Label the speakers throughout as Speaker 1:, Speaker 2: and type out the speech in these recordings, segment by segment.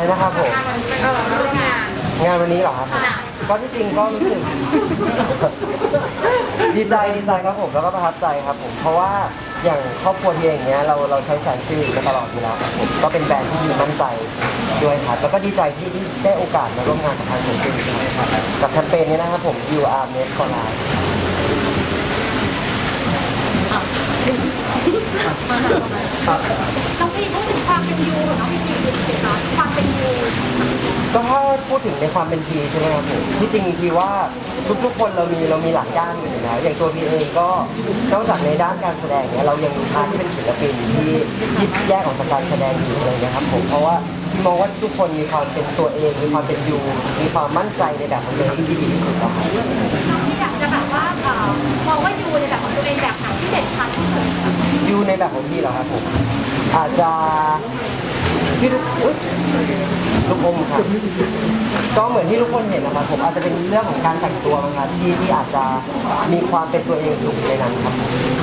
Speaker 1: นะครับผมงานวันนี้เหรอครับก็ที่จริงก็รู้สึก ดีใจครับผมแล้วก็ประทับใจครับผมเพราะว่าอย่างครอบครัวที่อย่างเงี้ยเราใช้แสนซิลมาตลอดอยู่แล้วครับผมก็เป็นแบรนด์ที่มีมั่นใจด้วยครับแล้วก็ดีใจที่ได้โอกาสมาร่วมงานกับทางแสนซิลกับแคมเปญนี้นะครับผม You Are Made for Life
Speaker 2: น้องพี่พูดถึงความเป็นยูน้องพี่พีเป็นเนาะความเป็นยู
Speaker 1: ก็ถ้าพูดถึงในความเป็นพีใช่ไหมครับผมที่จริงพีว่าทุกคนเรามีหลักด้านอยู่แล้วอย่างตัวพีเองก็นอกจากในด้านการแสดงเนี่ยเรายังมีพาร์ทที่เป็นศิลปินที่แยกออกจากการแสดงอยู่เลยนะครับผมเพราะว่าที่มองว่าทุกคนมีความเป็นตัวเองมีความเป็นยูมีความมั่นใจในแบบของตัวเองที่ดีที่สุดแล้วครับ
Speaker 2: น้องพี่อยากจะแบบว่ามองว่ายูในแบบของตัวเองแบบไหนที่เด่นชัดที่สุด
Speaker 1: ยูในแบบของพี่เหรอครับผมอาจจะพี่ลูกอมครับก็เหมือนที่ทุกคนเห็นนะครับผมอาจจะเป็นเรื่องของการแต่งตัวนะครับที่อาจจะมีความเป็นตัวเองสูงในนั้นครับ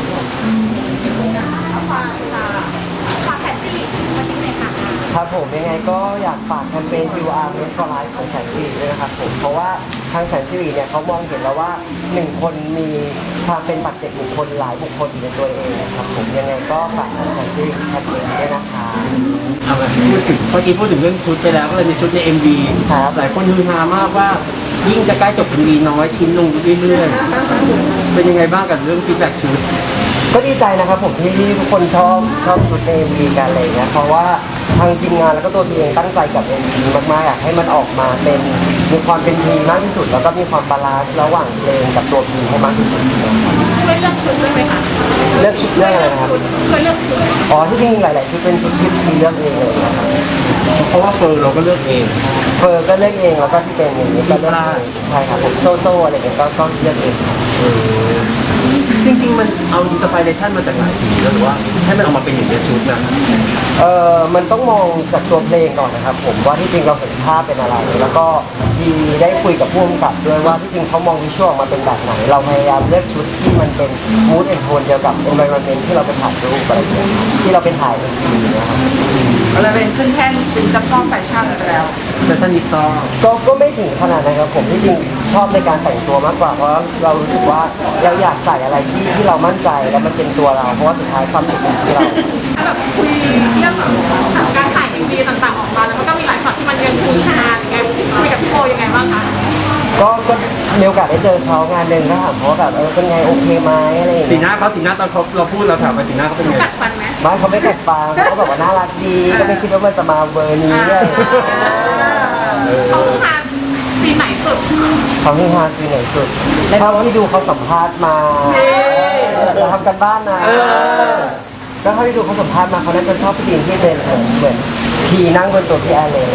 Speaker 2: ความแฟนซี่มาชิมเลยค่ะ
Speaker 1: ครับผมยังไงก็อยากฝากแคมเปญ You Are Made for Life ของแสนสิริด้วยนะครับผมเพราะว่าทางแสนสิริเนี่ยเขามองเห็นแล้วว่า1คนมีความเป็นปัจเจกบุคคลหลายบุคคลอยู่ในตัวเองนะครับผมยังไงก็ฝากทางแสนสิริแคมเปญด้วยนะคะ
Speaker 3: เอาแบบพูดถึงเรื่องชุดไปแล้วก็เลยในชุดใน MV หลายคนฮือฮามากว่ายิ่งจะใกล้จบ MV น้อยชิ้นลงเรื่อยๆเป็นยังไงบ้างกับเรื่องฟีดแบ็กชุด
Speaker 1: ก็ดีใจนะครับผมที่ทุกคนชอบชุดใน MV กันอะไรเงี้ยเพราะว่าทางทีมงานแล้วก็ตัวทีเองตั้งใจกับ MV มากๆอยากให้มันออกมาเป็นมีความเป็นทีมมากที่สุดแล้วก็มีความบาลานซ์ระหว่างเพลงกับตัวทีมให้มากที่สุด
Speaker 2: เคยเลือกชุดด้วยไหมคะ
Speaker 1: เลือกชุดเรื่องอะไรนะครับ
Speaker 2: เคยเลือกชุด
Speaker 1: อ๋อที่จริงหลายๆชุดเป็นชุดที่ทีเลือกเองเลยนะครับ
Speaker 3: เพราะว่าเฟอร์เราก็เลือกเอง
Speaker 1: เฟอร์ก็เลือกเองแล้วก็ที่เป็นอย่างนี้ก็เลือกเองใช่ครับผมโซ่อะไรเงี้ยก็เลือกเอง
Speaker 3: จริงๆมันเอาอินสปิเรชันมาจากหลายสีแล้วหรือว่าให้มันออกมาเป็นอย่างนี้ชุดนะ
Speaker 1: มันต้องมองจากตัวเพลงก่อนนะครับผมว่าที่จริงเราเห็นภาพเป็นอะไรแล้วก็ดีได้คุยกับผู้กำกับด้วยว่าที่จริงเขามองวิชวลมาเป็นแบบไหนเราพยายามเลือกชุดที่มันเป็นมูดแอนโทนเดียวกับ environment ที่เราไปถ่ายรูปอะไรอย่างเงี้ยที่เราไปถ่ายเป็นซีนนะครับ
Speaker 2: อะไรเป็นขึ้นแท่นเป็นจับต้องแฟชั่นแล้ว
Speaker 3: แฟชั่นนิสต้า
Speaker 1: ก็ไม่ถึงขนาดนั้นครับผมที่จริงชอบในการแต่งตัวมากกว่าเพราะเรารู้สึกว่าเราอยากใส่อะไรที่เรามั่นใจแล้วมันเป็นตัวเราเพราะว่าสุดท้ายความสุขเป็นที่เรา
Speaker 2: แบบคุยเรื่องการถ่ายMVต่างๆออกมาแล้วมันก็มีหลายช็อตที่มันยังคุยนานอย่างเงี้ยคุยกับพี่โบยังไงบ้างคะ
Speaker 1: ก็มีโอกาสได้เจอเขางานหนึ่งก็ถามเขาแบบเป็นไงโอเคไหมอะไรอย่างเงี้ย
Speaker 3: สีหน้าตอนเราพูดเราถามไปสีหน้าเขาเป็นไง
Speaker 2: กัดฟันไหม
Speaker 1: ไม่เขาไม่กัดฟันเขาบอกว่าน่ารักดีก็ไม่คิดว่ามันจะมาเบอร์นี้เลย
Speaker 2: เขาทานสีไหนสุด
Speaker 1: เขาที่ทานสีไหนสุดเท่าที่ดูเขาสัมภาษณ์มาเราทำกันบ้านนะก็เท่าที่ดูเขาสัมภาษณ์มาเขาน่าจะชอบซีนที่เป็นเหมือนทีนั่งบนตัวพี่แอร์เลย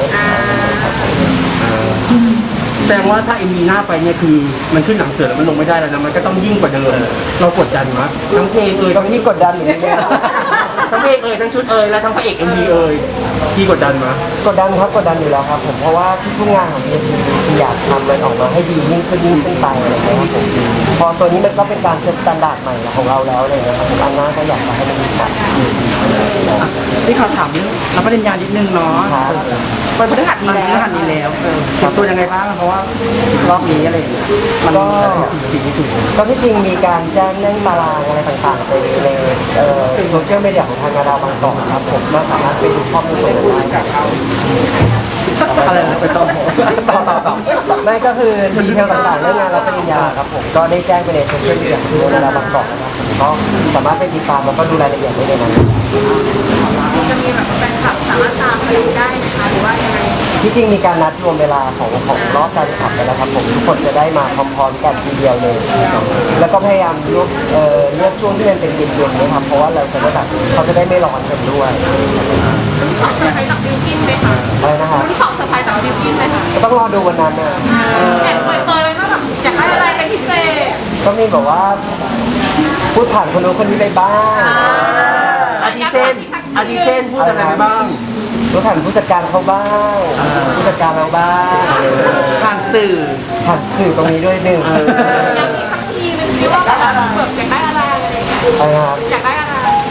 Speaker 3: แสดงว่าถ้าMVหน้าไปเนี่ยคือมันขึ้นหนังเสือแล้วมันลงไม่ได้แล้วนะมันก็ต้องยิ่งกว่าเดิมเรากดดันมั้ยทั้งเพลง
Speaker 1: ต้องที่กดดันอยู่เนี่ย
Speaker 3: ทั้งเพลงทั้งชุดและทั้งพระเอก MVที่กดดันมั้ย
Speaker 1: กดดันอยู่แล้วครับผมเพราะว่าทุกงานของพี่อยากทำมันออกมาให้ดียิ่งขึ้นไปอะไรอย่างเงี้ยครับผมพอตัวนี้มันก็เป็นการเซตมาตรฐานใหม่ของเราแล้วเลยนะครับผมอันหน้าก็อยากให้มันดีกว่า
Speaker 4: ที่เขาถามเรื่องรับปริญญานิดนึงเนาะวันพฤหัสนี้แล้วเตรียมตัวยังไงบ้างเพราะว่ารอบนี้อะไรมัน
Speaker 1: ก็ที่จริงมีการแจ้งเรื่องตารางอะไรต่างๆไปในโซเชียลมีเดียของทางดาวบางกอกครับผมก็สามารถไปดูข้อมูลได้
Speaker 4: อะไรไปต่อ
Speaker 1: ไม่ก็คือดีเทลต่างๆเรื่องงานรับปริญญาครับผมก็ได้แจ้งไปในโซเชียลมีเดียของดาวบางกอกนะครับก็สามารถไปติดตามแล้วก็ดูรายละเอียดได้ในนั้น
Speaker 2: จะมีแบบแฟนคลับสามารถตามไปดูได้ไหมคะหรือว่ายังไง
Speaker 1: ที่จริงมีการนัดรวมเวลาของรอบการขับไปแล้วครับผมทุกคนจะได้มาพร้อมๆกันทีเดียวเลยแล้วก็พยายามเลือกช่วงที่มันเป็นเย็นๆนะครับเพราะว่าเราจะได้แบบเขาจะได้ไม่ร้อนกันด้วย
Speaker 2: ของเซอร์ไพรส์จากบิวกิ้นไหมคะ
Speaker 1: อะไรนะครับ
Speaker 2: ของเซอร์ไพรส์จากบิวกิ้นไหมคะ
Speaker 1: ต้องรอดูวันนั้นนะ
Speaker 2: แอบเคยว่าแบบอยากได้อะไรเป็นพิเศษ
Speaker 1: ก็มีแบบว่าพูดผ่านคนนู้นคนนี้ไปบ้าง
Speaker 3: อาทิเช่นพูดอะไรไปบ้าง
Speaker 1: พูดผ่านผู้จัดการเขาบ้างผู้จัดการเราบ้าง
Speaker 4: ผ่านสื่อ
Speaker 1: ตรงนี้ด้วยหนึ่ง
Speaker 2: ทีนึงที่ว่าแบบอยากได้อะไรอะไรเงี้ย
Speaker 1: อย
Speaker 2: ากได้อะไร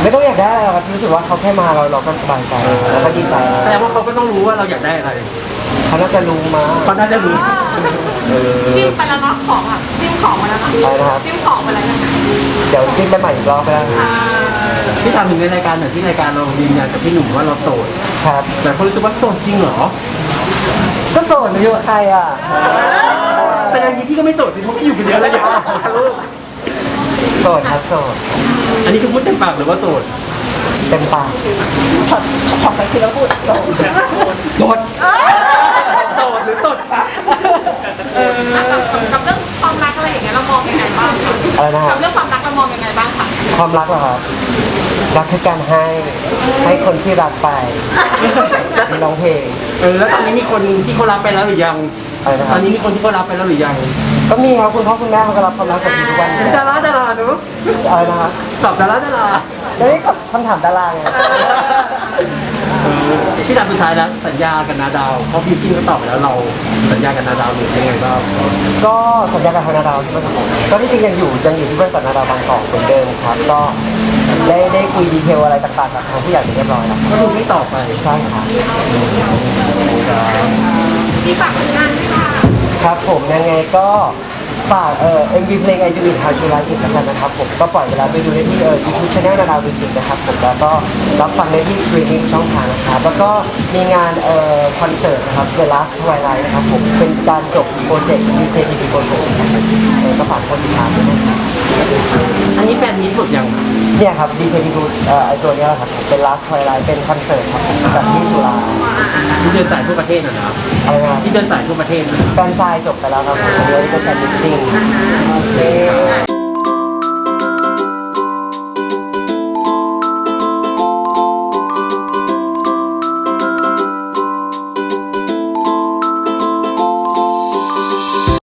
Speaker 1: ไม่ต้องอยากได้อะไรหรอกครับรู้สึกว่าเขาแค่มาเราก็สบายใจแล้วก็ดีใจ
Speaker 3: แสดงว่าเขาก็ต้องรู้ว่าเราอยากได้อะไร
Speaker 1: เขาน่าจะรู้มา
Speaker 3: เขาน่าจะรู้
Speaker 2: จิ้มไปแล้วเนาะของอ่ะจิ้มของไปแล้วค่ะ
Speaker 1: ไปนะครับ
Speaker 2: จิ้มของไปแล้วนะคะ
Speaker 1: เดี๋ยวจิ้มไปใหม่อีกรอบก็ได้
Speaker 3: ที่ทำถึงในรายการหน่อยที่รายการเรายืนยันกับพี่หนุ่มว่าเราโสด
Speaker 1: ครับ
Speaker 3: แต่คนรู้สึกว่าโสดจริงเหรอ
Speaker 1: ก็โสดไม่อยู่กับใครอ่ะ
Speaker 3: แต่ในนี้พี่ก็ไม่โสดสิเพราะพี่อยู่คนเดียวแล้วอย่างลูก
Speaker 1: โสดครับโสด
Speaker 3: อันนี้คือพูดเต็มปากหรือว่าโสด
Speaker 1: เต็มปาก
Speaker 4: ขอไปทีละพูด
Speaker 1: โสด
Speaker 3: โสดหรือโสดปะ
Speaker 2: กับเรื่องความรักอะไรอย่างเงี้ยเรามองยังไงบ้างคะ
Speaker 1: อะไรนะค
Speaker 2: กั
Speaker 1: รั
Speaker 2: บบ เรื่องความรักเรามองยังไงบ้างคะ
Speaker 1: ความรักเหรอครับรักคือการให้คนที่รักไปมีร้องเพลง
Speaker 3: แล้วตอนนี้มีคนที่เขารับไปแล้วหรือยัง
Speaker 1: อะไรนะค
Speaker 3: ต
Speaker 1: รั
Speaker 3: อบ นนี้มีคนที่เขารับไปแล้วหรือยัง
Speaker 1: ก็มีครับคุณพ่อคุณแม่เขาก็รับความรักจากทุกวันอยู่
Speaker 3: ดา
Speaker 1: แล้ว
Speaker 3: ราหนู
Speaker 1: อะไรนะครับ
Speaker 3: ตอบดารา
Speaker 1: แล้วนี่กับคำถามดาราไง
Speaker 3: ที่ถามสุดท้ายแล้วสัญญากับนาดาวเพราะพี่กิ้งก็ตอบไปแล้วเราสัญญากับนาดาวหรือยังไงบ้าง
Speaker 1: ก็สัญญากับทางนาดาวที่บริษัทผมก็ที่จริงยังอยู่ที่บริษัทนาดาวบางกอกเหมือนเดิมครับ ก็ได้คุยดีเทลอะไรต่างๆกับทางผู้ใหญ่เรียบร้อยแล้ว
Speaker 3: ก็คือไม่ตอบไป
Speaker 1: ใช่ครับ
Speaker 2: ที่ฝากผลงานด้วยค่ะ
Speaker 1: ครับผมยังไงก็ฝากMV เพลง I Do It How You Like It แล้วกันนะครับผมก็ปล่อยเวลาไปดูได้ที่YouTube Channel นาดาวมิวสิกนะครับผมแล้วก็รับฟังได้ที่สตรีมมิ่งช่องทางนะครับแล้วก็มีงานคอนเสิร์ตนะครับ The Last Twilight นะครับผมเป็นการจบโปรเจกต์ BKTV โปรเจกต์นะครับผมก็ฝากคนติดตามด้วยนะครับ
Speaker 3: อันนี้แฟนมีสุดยัง
Speaker 1: เนี่ยครับ BKTV ไอตัวเนี้ยแหละครับผมเป็น Last Twilight เป็นคอนเสิร์ตครับผมจัดที่จุฬา
Speaker 3: ที่เดินสายทั่วประเทศนะ
Speaker 1: อะไรนะ
Speaker 3: ที่เดินสายทั่วประเทศนะ
Speaker 1: แฟนซายจบไปแล้วครับผมเดี๋ยวจะเป็นแฟนมิตติ้ง